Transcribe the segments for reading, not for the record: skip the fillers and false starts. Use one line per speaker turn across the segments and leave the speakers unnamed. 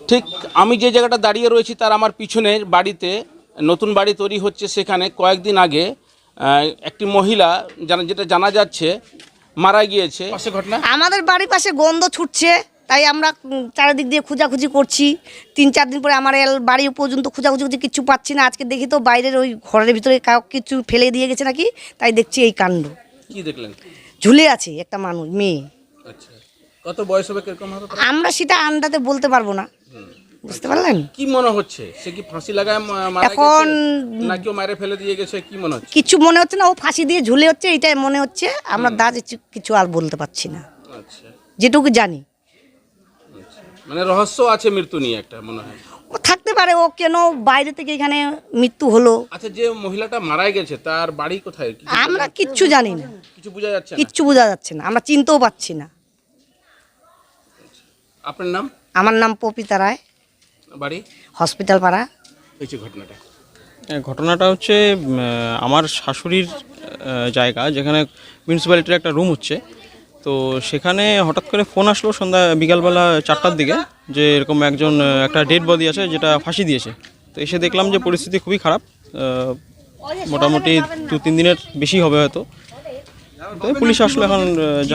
ঠিক আমি যে জায়গাটা দাঁড়িয়ে রয়েছি তার আমার পিছনের বাড়িতে নতুন বাড়ি তৈরি হচ্ছে, সেখানে কয়েকদিন আগে একটি মহিলা যেটা জানা যাচ্ছে মারা গিয়েছে। পাশে ঘটনা,
আমাদের বাড়ির পাশে গন্ধ ছুটছে, তাই আমরা চারিদিক দিয়ে খোঁজাখুঁজি করছি। 3-4 দিন পরে আমার বাড়ি পর্যন্ত খোঁজাখুঁজি কিছু পাচ্ছি না। আজকে দেখি তো বাইরের ওই ঘরের ভিতরে কিছু ফেলে দিয়ে গেছে নাকি, তাই দেখছি এই কাণ্ড।
কি দেখলেন?
ঝুলে আছে একটা মানুষ, মেয়ে।
আচ্ছা, কত বয়স হবে, কিরকম হবে?
আমরা সেটা আন্দাজে বলতে পারবো না, বুঝতে পারলেন?
কি মনে হচ্ছে, সে কি ফাঁসি লাগায় মারা
এখন
গেছে না কেউ মারে ফেলে দিয়ে গেছে, কি মনে হচ্ছে?
কিছু মনে হচ্ছে না, ও ফাঁসি দিয়ে ঝুলে হচ্ছে এটাই মনে হচ্ছে। আমরা কিছু আর বলতে পারছি না,
আচ্ছা,
যেটুকু জানি।
মানে রহস্য আছে মৃত্যু নিয়ে একটা, মনে হয়
ও থাকতে পারে, ও কেন বাইরে থেকে এখানে মৃত্যু হলো।
আচ্ছা, যে মহিলাটা মারা গেছে তার বাড়ি কোথায়?
আমরা কিচ্ছু জানি না,
কিছু বোঝা যাচ্ছে না।
কিচ্ছু বোঝা যাচ্ছে না, আমরা চিনতেও পাচ্ছি না।
আপনার নাম?
আমার নাম পপিতা রায়,
বাড়ি
হসপিটাল পাড়া।
হয়েছে ঘটনাটা?
ঘটনাটা হচ্ছে আমার শাশুড়ির জায়গা, যেখানে মিউনিসিপ্যালিটির একটা রুম হচ্ছে। তো সেখানে হঠাৎ করে ফোন আসলো বিকালবেলা 4টার দিকে, যে এরকম একটা ডেড বডি আছে যেটা ফাঁসি দিয়েছে। তো এসে দেখলাম যে পরিস্থিতি খুবই খারাপ, মোটামুটি 2-3 দিনের বেশি হবে হয়তো। তো পুলিশ আসলো। এখন যা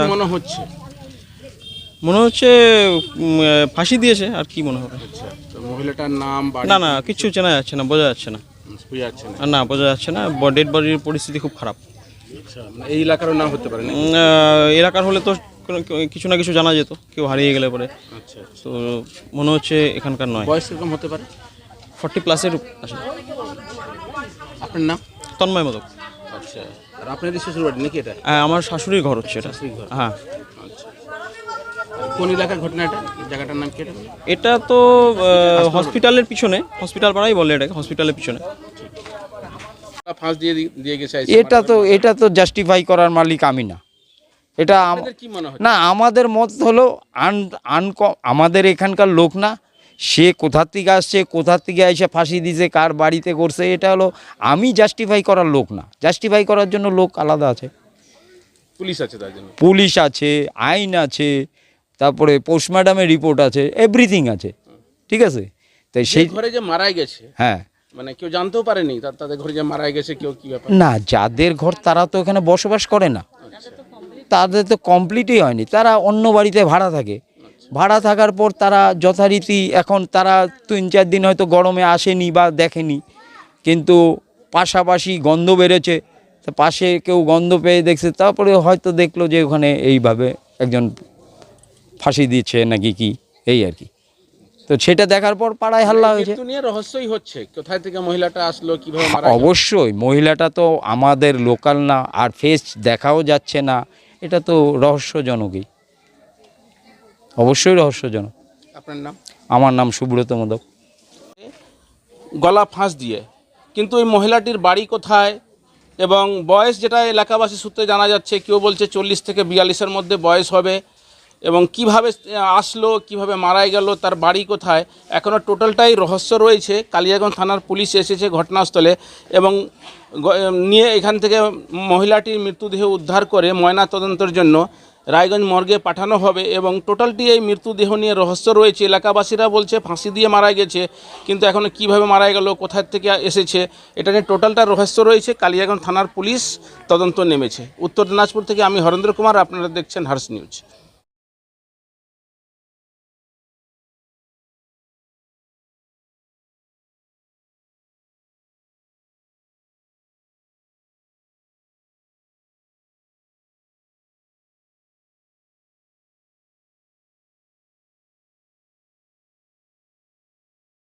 মনে হচ্ছে ফাঁসি দিয়েছে, আর কি মনে হবে।
মহিলাটার নাম?
না, কিছু চেনা যাচ্ছে না, বোঝা যাচ্ছে না। না, বোঝা যাচ্ছে না। ডেড বডির পরিস্থিতি খুব খারাপ।
এই এলাকারও নাম হতে পারে?
এলাকার হলে তো কিছু না কিছু জানা যেত, কেউ হারিয়ে গেলে পরে।
আচ্ছা,
তো মনে হচ্ছে এখানকার নয়।
বয়স কিরকম হতে পারে?
40+ আছে।
আপনার নাম?
তন্ময় মোদক।
আচ্ছা, আর আপনাদের শ্বশুর বাড়ি নাকি এটা?
আমার শাশুড়ির ঘর হচ্ছে এটা। হ্যাঁ।
আচ্ছা, কোন এলাকার ঘটনা এটা? জায়গাটার নাম কি এটা?
এটা তো হসপিটালের পিছনে, হসপিটাল পাড়াই বলে এটাকে, হসপিটালের পিছনে।
ফাঁস দিয়ে গেছে।
এটা তো জাস্টিফাই করার মালিক আমি না। এটা
কি মনে হয়?
না, আমাদের মত হলো আমাদের এখানকার লোক না, সে কোথা থেকে আসছে, কোথা থেকে এসে ফাঁসি দিয়েছে, কার বাড়িতে করছে, এটা হলো আমি জাস্টিফাই করার লোক না। জাস্টিফাই করার জন্য লোক আলাদা আছে,
পুলিশ আছে, তার জন্য
পুলিশ আছে, আইন আছে, তারপরে পোস্টমর্টমের রিপোর্ট আছে, এভরিথিং আছে, ঠিক আছে। তাই সেই
ঘরে যে মারা গেছে,
হ্যাঁ,
মানে কেউ জানতেও পারেনি তাদের ঘরে যে মারা গেছে, কেউ কি ব্যাপার?
না, যাদের ঘর তারা তো এখানে বসবাস করে না, তাদের তো কমপ্লিটই হয়নি, তারা অন্য বাড়িতে ভাড়া থাকে। ভাড়া থাকার পর তারা যথারীতি, এখন তারা 3-4 দিন হয়তো গরমে আসেনি বা দেখেনি, কিন্তু পাশাপাশি গন্ধ বেরোচ্ছে, তো পাশে কেউ গন্ধ পেয়ে দেখছে, তারপরে হয়তো দেখলো যে ওখানে এইভাবে একজন ফাঁসি দিচ্ছে নাকি কি, এই আর কি। তো সেটা দেখার পর পাড়ায় হাল্লা হয়েছে।
মৃত্যু নিয়ে রহস্যই হচ্ছে, কোথায় থেকে মহিলাটা আসলো, কিভাবে মারা গেল।
অবশ্যই মহিলাটা তো আমাদের লোকাল না, আর ফেস দেখাও যাচ্ছে না, এটা তো রহস্যজনকই, অবশ্যই রহস্যজনক।
আপনার নাম?
আমার নাম সুব্রত মোদক।
গলা ফাঁস দিয়ে, কিন্তু এই মহিলাটির বাড়ি কোথায় এবং বয়স, যেটা এলাকাবাসী সূত্রে জানা যাচ্ছে, কেউ বলছে 40 থেকে 42-এর মধ্যে বয়স হবে, এবং কিভাবে আসলো, কিভাবে মারা গেল, তার বাড়ি কোথায়, এখনও টোটালটাই রহস্য রয়েছে। কালিয়াগঞ্জ থানার পুলিশ এসেছে ঘটনাস্থলে এবং নিয়ে এখান থেকে মহিলাটির মৃতদেহ উদ্ধার করে ময়না তদন্তের জন্য রায়গঞ্জ মর্গে পাঠানো হবে, এবং টোটালটি এই মৃতদেহ নিয়ে রহস্য রয়েছে। এলাকাবাসীরা বলছে ফাঁসি দিয়ে মারা গেছে, কিন্তু এখনও কীভাবে মারা গেল, কোথায় থেকে এসেছে, এটা নিয়ে টোটালটা রহস্য রয়েছে। কালিয়াগঞ্জ থানার পুলিশ তদন্ত নেমেছে। উত্তর দিনাজপুর থেকে আমি হরেন্দ্র কুমার, আপনারা দেখছেন হার্স নিউজ।